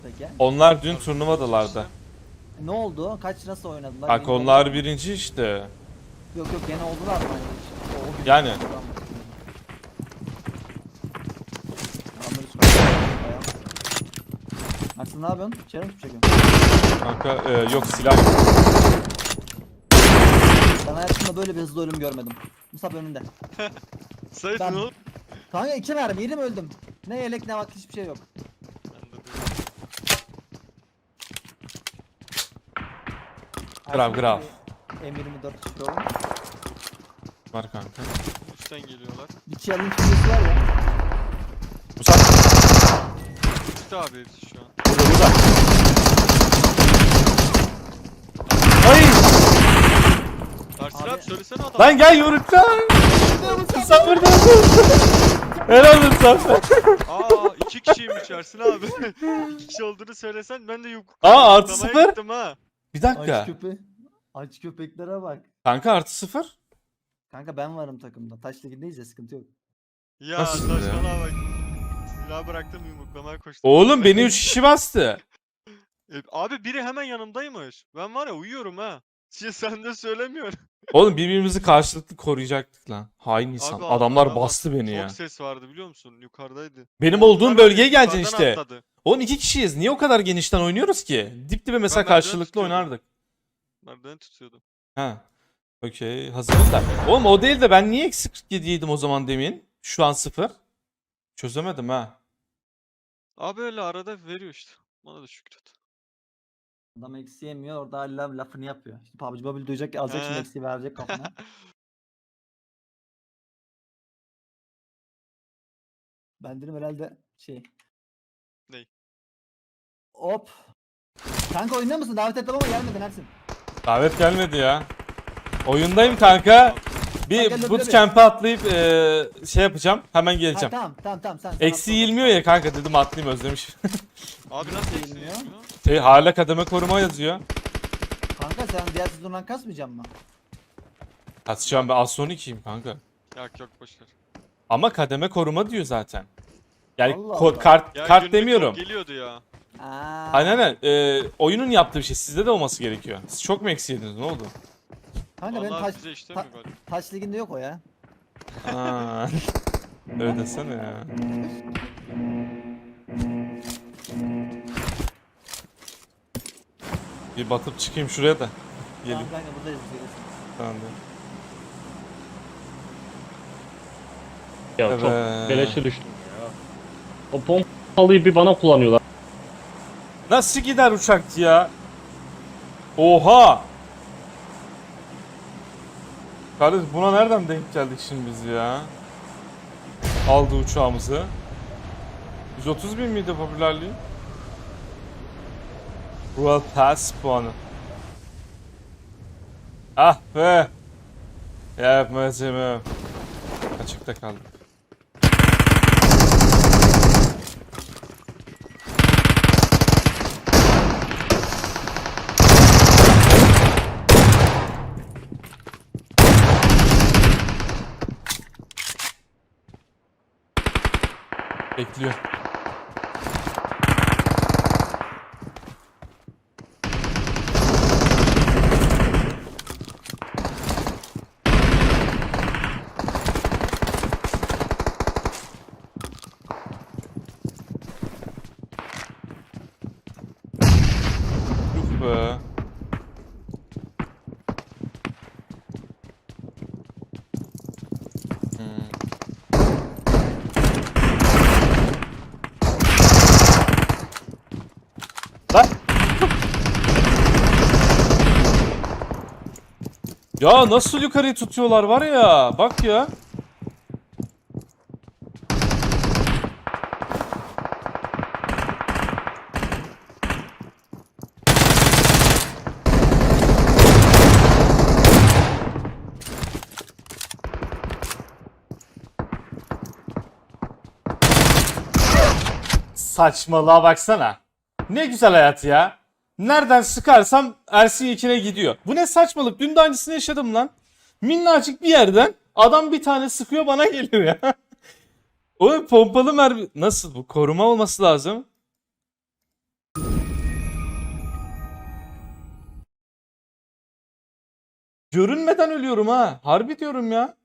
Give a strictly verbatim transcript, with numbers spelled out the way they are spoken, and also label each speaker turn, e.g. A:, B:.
A: Peki.
B: Onlar dün turnuvadalardı.
A: E, ne oldu? Kaç nasıl oynadılar?
B: Bak
A: Yeni
B: onlar
A: oldular mı?
B: birinci işte.
A: Yok yok gene oldular mı? O, o gün
B: Yani.
A: Adamları çıkartıyor. Bayağı. Aksın ne yapıyorsun? İçeri mi çekiyorsun?
B: Kanka e, yok silah yok.
A: Ben hayatımda böyle bir hızlı ölüm görmedim. Musab önünde.
C: Sait
A: Ben-
C: ne oldu?
A: Kanka iki mermi yedim öldüm. Ne yelek ne bak hiçbir şey yok.
B: Grav, grav.
A: M yirmi dört çıkıyor.
B: Var kanka.
C: Üstten geliyorlar.
A: Bir challenge videosu var ya.
B: Musab
C: Üstte abi hepsi şu an.
B: burada burada. Ay!
C: Ersin
A: Abi-
C: abi, söylesene adam.
B: Lan gel yumruktan. Musab burada. Helal olsun sen.
C: Aa iki kişiymiş Ersin abi. İki kişi olduğunu söylesen ben de yuk.
B: Aa, artı
C: yuklamaya
B: sıfır.
C: gittim ha.
B: Bir
A: Aç
B: dakika.
A: köpe. Aç köpeklere bak.
B: Kanka artı sıfır.
A: Kanka ben varım takımda. Taş ligindeyiz ya sıkıntı yok.
C: Ya
B: Nasıl ya?
C: saçmalama bak. Silahı bıraktım yumruklamaya koştum.
B: Oğlum beni üç kişi bastı.
C: E, abi biri hemen yanımdaymış. Ben var ya uyuyorum ha. Şey sen de söylemiyorsun.
B: Oğlum birbirimizi karşılıklı koruyacaktık lan. Hain insan.
C: Abi,
B: Adamlar
C: adam
B: bastı beni
C: Çok
B: ya.
C: ses vardı biliyor musun? Yukarıdaydı.
B: Benim olduğum
C: Onlar
B: bölgeye
C: yukarıdan
B: geleceksin işte.
C: atladı.
B: Oğlum iki kişiyiz. Niye o kadar genişten oynuyoruz ki? Dip dibe mesela
C: Ben merdiveni
B: karşılıklı
C: tutuyordum.
B: oynardık.
C: Nereden tutuyordum?
B: Ha. Okey. Hazırız da. Oğlum o değil de ben niye eksi kırk yedi yedim o zaman demin? Şu an sıfır. Çözemedim ha.
C: Abi öyle arada veriyor işte. Bana da şükret.
A: Adam eksi yemiyor orada hala lafını yapıyor. Şimdi P U B G Mobile duyacak alacak şimdi
C: He.
A: eksiği verecek kafana. Ben dedim herhalde şey.
C: Ney?
A: Hop. Kanka oyunda mısın? Davet ettim ama gelmedin Ersin.
B: Davet gelmedi ya. Oyundayım kanka.
A: Gel,
B: Bir
A: gel,
B: bootcamp'e atlayıp eee, şey yapacağım. Hemen
A: Ha,
B: geleceğim.
A: tamam tamam tamam sen. sen
B: Eksi
A: atla.
B: yirmiyor ya kanka dedim atlayayım özlemişim.
C: Abi nasıl
A: Değil
C: eksiği
A: ya.
C: yapıyor?
B: Şey hala kademe koruma yazıyor.
A: Kanka sen diğer sezondan kasmayacaksın mı?
B: Kasacağım ben az son ikiyim kanka.
C: Yok yok boşver.
B: Ama kademe koruma diyor zaten. Yani
A: Allah
B: ko-
A: Allah.
B: kart
C: Ya
B: kart
C: günlük
B: demiyorum.
C: çok geliyordu ya.
A: Aa.
B: Aynen aynen. Ee, oyunun yaptığı bir şey. Sizde de olması gerekiyor. Siz çok mu eksi yediniz? Ne oldu?
A: Kanka benim
C: Vallahi
A: taş,
C: bize işlemiyor galiba.
A: taş liginde yok o ya.
B: Aa. Öyle desene ya. Bir batıp çıkayım şuraya da. Gelin.
A: Tamam kanka buradayız. gelirsin.
B: Tamam.
D: Ya
B: Evet.
D: çok beleşe düştüm ya. O pompalıyı bir bana kullanıyorlar.
B: Nasıl gider uçak ya? Oha! Kardeş buna nereden denk geldik şimdi biz ya? Aldı uçağımızı. yüz otuz bin miydi popülerliği? World Pass puanı. Ah be! Yapmacım. Açıkta kaldık. Bekliyor. Yuh be. Hmm. Lan. Ya nasıl yukarıyı tutuyorlar var ya. Bak ya. Saçmalığa baksana. Ne güzel hayat ya. Nereden sıkarsam Ersin Yekin'e gidiyor. Bu ne saçmalık? Dün de aynısını yaşadım lan. Minnacık bir yerden adam bir tane sıkıyor bana geliyor ya. O pompalı mermi... Nasıl bu? Koruma olması lazım. Görünmeden ölüyorum ha. Harbi diyorum ya.